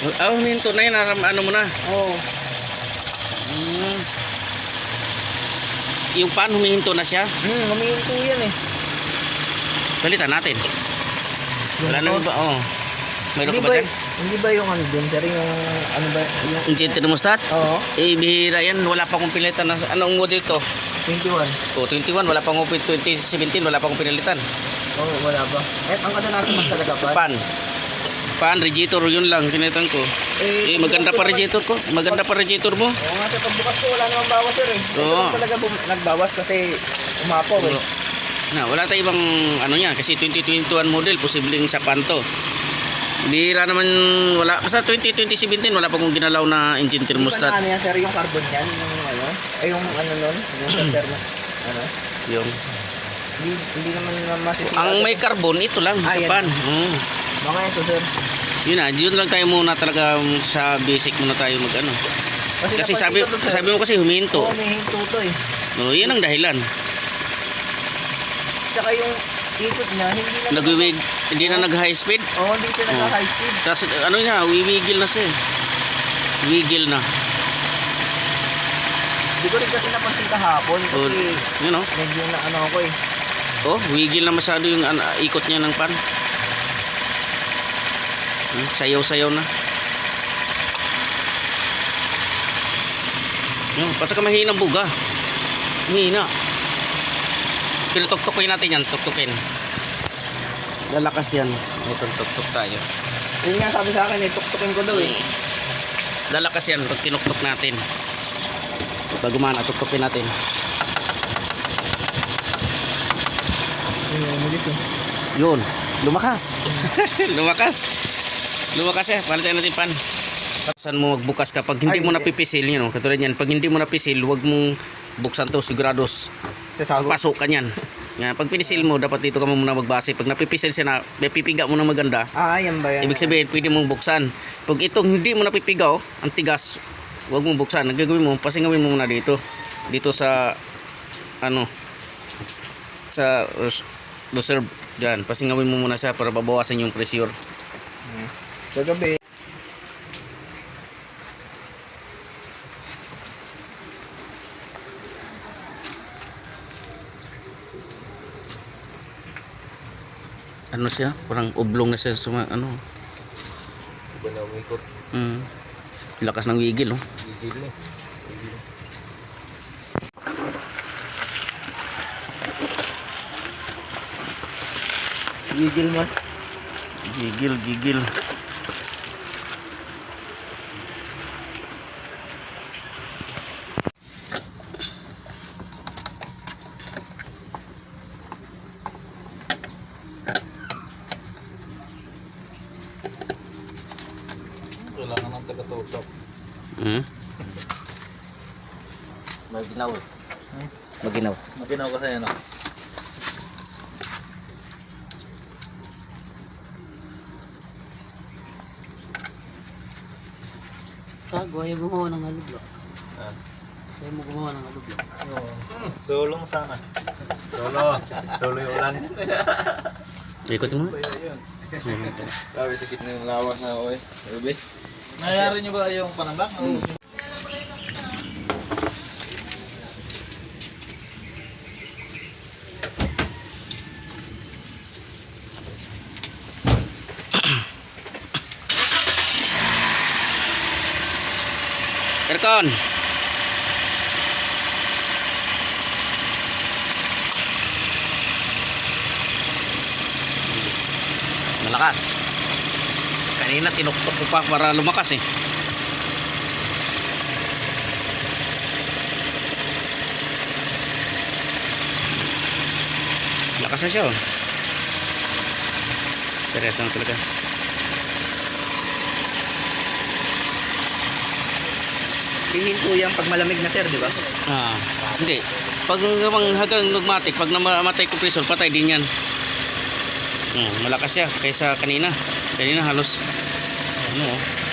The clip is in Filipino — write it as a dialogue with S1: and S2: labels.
S1: Huminto na yun. Ano mo na.
S2: Oo.
S1: Hmm. Yung pan, humihinto na siya.
S2: Humihinto yan eh.
S1: Balitan natin. Wala na ba? Oo. Mayroon ka ba dyan?
S2: Hindi ba yung ano dun, sir? Yung ano ba?
S1: Yung thermostat?
S2: Oo.
S1: Bihira yan. Wala pa akong pinalitan. Anong model to?
S2: 21.
S1: 21. Wala pa akong 2017. Wala pa akong pinalitan.
S2: Oo, wala ba? Ang kadalasan mas talaga pa?
S1: Pan, radiator. Yun lang. Pinalitan ko. Maganda pa radiator ko. Maganda pa radiator mo.
S2: Oo nga, sir. Pagbukas ko, wala namang bawas, sir eh.
S1: Oo.
S2: Ito talaga nagbawas kasi umapaw eh.
S1: Wala tayong ibang ano yan. Kasi 2021 model. Posibleng sa pan to. Bihira naman, wala. Basta 2017 wala pa akong ginalaw na engine thermostat.
S2: Ano yan, sir? Yung carbon yan? Yung ano? Yung ano nun? Yung thermos? Ano?
S1: Yung
S2: Hindi naman masisira.
S1: ang may carbon, ito lang sa pan.
S2: Mga ito, sir.
S1: Yun lang tayo muna talaga sa basic muna tayo mag ano. Kasi sabi mo kasi huminto.
S2: Oo, huminto to eh.
S1: Yan ang dahilan.
S2: Tsaka yung ikot niya,
S1: Hindi na nag high speed.
S2: Oo, hindi siya nag-high speed.
S1: Tapos ano niya, wiwigil na siya. Wigil na.
S2: Hindi ko rin kasi napansin kahapon kasi
S1: yun o.
S2: medyo na ano ako eh.
S1: Wigil na masyado yung ikot niya ng pan. Sayaw-sayaw na. Basta ka mahinang buga. Mahina. Pero tuktukin natin yan. Tuktukin. Lalakas yan. Ito, tuktok tayo.
S2: Yun nga sabi sa akin eh, tuktukin ko daw eh.
S1: Lalakas yan pag tinuktok natin. Pag gumana, tuktukin natin. Yun. Lumakas. Lumakas eh. Palitan natin pan. Saan mo magbukas kapag hindi mo napipisil yun. Katulad yan. Pag hindi mo napisil, huwag mong buksan to. Sigurados. Pasok ka yan. Pag pinisil mo, dapat dito ka muna magbase. Pag napipisil siya na, may pipiga mo na maganda.
S2: Yan ba yan?
S1: Ibig sabihin, pwede mong buksan. Pag itong hindi mo napipigaw, ang tigas, huwag mong buksan. Ang gagawin mo, pasingawin mo muna dito. Dito sa, sa reserve. Diyan, pasingawin mo muna siya para babawasan yung pressure.
S2: Kagabi.
S1: Ano siya? Parang oblong na siya sa ano.
S2: Iba na umikot.
S1: Lakas ng wigil,
S2: Wigil eh. Wigil man.
S1: Gigil.
S2: Kailangan ng taga-tutok.
S1: Maginaw. Maginaw
S2: kasi ano.
S1: Ayaw gumawa ng halublo. Ayaw mo gumawa ng halublo.
S2: Sulong sana. Solo yung ulan.
S1: Ikot mo.
S2: Sabi sakit na yung lawas na ako eh. Sabi. Nangyari nyo ba yung panambak?
S1: Aircon. Malakas. Kanina tinuktok ko pa para lumakas eh. Lakas na siya. Interesang talaga.
S2: Hihinto yan pag malamig na, sir, di ba?
S1: Hindi. Pag hanggang nagmatik, pag namatay compressor, patay din yan. Malakas siya kaysa kanina. Kanina halos